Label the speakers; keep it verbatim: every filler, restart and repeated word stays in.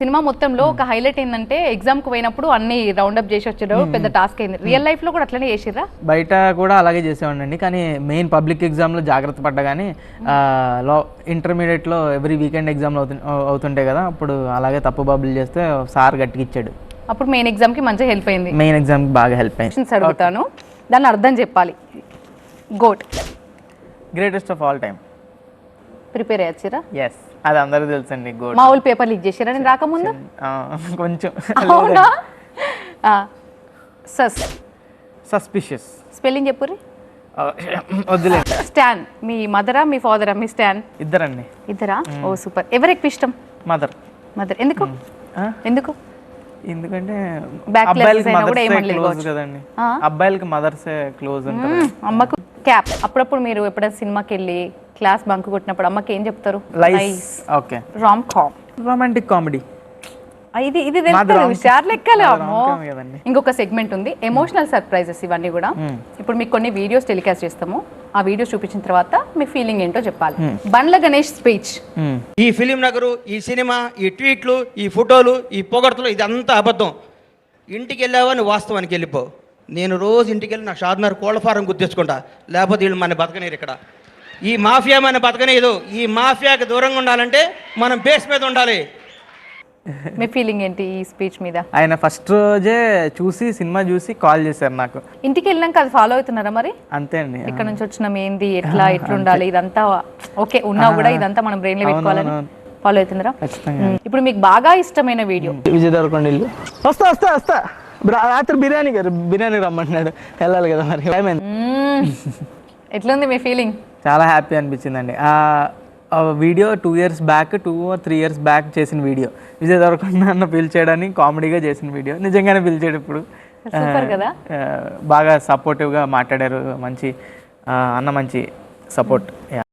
Speaker 1: Cinema మొత్తంలో ఒక highlight ఏంటంటే ఎగ్జామ్ కు పోయినప్పుడు అన్ని రౌండ్ అప్ చేసి వచ్చేటప్పుడు పెద్ద టాస్క్ అయింది. రియల్ లైఫ్ లో కూడా అట్లనే చేసిర్రా?
Speaker 2: బయట కూడా అలాగే చేసేవాడిని, కానీ మెయిన్ పబ్లిక్ ఎగ్జామ్లో జాగ్రత్త పడ్డా. కానీ లో ఇంటర్మీడియట్లో ఎవ్రీ వీకెండ్ ఎగ్జామ్లు అవుతు అవుతుంటాయి కదా, అప్పుడు అలాగే తప్పు బబ్బులు చేస్తే సార్ గట్టిగా ఇచ్చాడు.
Speaker 1: అప్పుడు మెయిన్ ఎగ్జామ్ కి మంచిగా హెల్ప్ అయింది.
Speaker 2: మెయిన్ ఎగ్జామ్కి బాగా హెల్ప్ అయింది.
Speaker 1: అడుగుతాను, దాన్ని అర్థం చెప్పాలి. GOAT
Speaker 2: greatest of all time.
Speaker 1: Prepare అయ్యారా?
Speaker 2: ఎస్, అది అందరూ తెలుసండి. గోట్
Speaker 1: మా ఊళ్ళు పేపర్ లీక్ చేసారా నేను రాకముందు?
Speaker 2: కొంచెం.
Speaker 1: అవునా? సస్
Speaker 2: సస్పిషియస్
Speaker 1: స్పెల్లింగ్ చెప్పుర్రి.
Speaker 2: వద్దులే.
Speaker 1: స్టాన్ మీ మదరా మీ ఫాదరా? మీ స్టాన్
Speaker 2: ఇద్దరండి.
Speaker 1: ఇద్దరా? ఓ సూపర్. ఎవరు ఎక్కువ ఇష్టం?
Speaker 2: మదర్.
Speaker 1: మదర్. ఎందుకు? ఎందుకు?
Speaker 2: ఎందుకంటే
Speaker 1: Back
Speaker 2: అబ్బాయిలకి
Speaker 1: classes అయినా కూడా
Speaker 2: మదర్సే
Speaker 1: ఏమనలేదు
Speaker 2: క్లోజ్
Speaker 1: కావచ్చు.
Speaker 2: కదండి,
Speaker 1: ఆ?
Speaker 2: అబ్బాయిలకి మదర్సే క్లోజ్ ఉంటారు.
Speaker 1: అమ్మకు క్యాప్. అప్పుడప్పుడు మీరు ఎప్పుడైనా సినిమాకి వెళ్ళి క్లాస్ బంక్ కొట్టినప్పుడు అమ్మకి ఏం చెప్తారు?
Speaker 2: Lies. Okay.
Speaker 1: Rom com,
Speaker 2: romantic comedy.
Speaker 1: ఇది ఇది తెలుస్తుంది హుషార్ లెక్కలే.
Speaker 2: అది
Speaker 1: అమ్మో.
Speaker 2: rom-com కదండి.
Speaker 1: ఇంకొక సెగ్మెంట్ ఉంది, ఎమోషనల్ సర్ప్రైజెస్. ఇవన్నీ కూడా ఇప్పుడు మీకు కొన్ని వీడియోస్ టెలికాస్ట్ చేస్తాము. ఆ వీడియోస్ చూపించిన తర్వాత మీ ఫీలింగ్ ఏంటో చెప్పాలి. బండ్ల గణేష్ స్పీచ్.
Speaker 3: ఈ ఫిలిం నగరు, ఈ సినిమా, ఈ ట్వీట్లు, ఈ ఫోటోలు, ఈ పొగడ్తలు, ఇదంతా అబద్ధం. ఇంటికి వెళ్ళావా నువ్వు వాస్తవానికి వెళ్ళిపో. నేను రోజు ఇంటికి వెళ్ళి నా షాద్నగర్ కోళ్ళ ఫారం గుర్తించుకుంటా, లేకపోతే వీళ్ళు మన బతకనేరు. ఇక్కడ ఈ మాఫియా మన బతకనేదు. ఈ మాఫియాకి దూరంగా ఉండాలంటే మనం బేస్ మీద ఉండాలి.
Speaker 1: మీ ఫీలింగ్ ఏంటి ఈ స్పీచ్ మీద?
Speaker 2: ఆయన ఫస్ట్ రోజే చూసి సినిమా చూసి కాల్ చేశారు నాకు.
Speaker 1: ఇంటికి వెళ్ళినాక అది ఫాలో అవుతున్నారా మరి?
Speaker 2: అంతే అండి.
Speaker 1: ఇక్కడ నుంచి వచ్చినాం ఏంది, ఎట్లా ఎట్లా ఉండాలి, ఇదంతా ఓకే ఉన్నా కూడా ఇదంతా మనం బ్రెయిన్ లో పెట్టుకోవాలని ఫాలో అవుతున్నారా?
Speaker 2: ఖచ్చితంగా.
Speaker 1: ఇప్పుడు మీకు బాగా ఇష్టమైన వీడియో?
Speaker 2: విజయ్ దేవరకొండ ఇల్లు. వస్తా వస్తా వస్తా రాత్రి బిర్యానీ గారు బిర్యానీ రమ్మంటున్నాడు, వెళ్ళాలి కదా మరి.
Speaker 1: ఎట్లుంది మీ ఫీలింగ్?
Speaker 2: చాలా హ్యాపీ అనిపించిందండి. ఆ video two years back two three years back చేసిన వీడియో. విజయ్ దేవరకొండ అన్న పిలిచేయడాన్ని కామెడీగా చేసిన వీడియో. నిజంగానే పిలిచాడు. ఇప్పుడు
Speaker 1: సూపర్ కదా,
Speaker 2: బాగా సపోర్టివ్గా మాట్లాడారు. మంచి అన్న మంచి సపోర్ట్.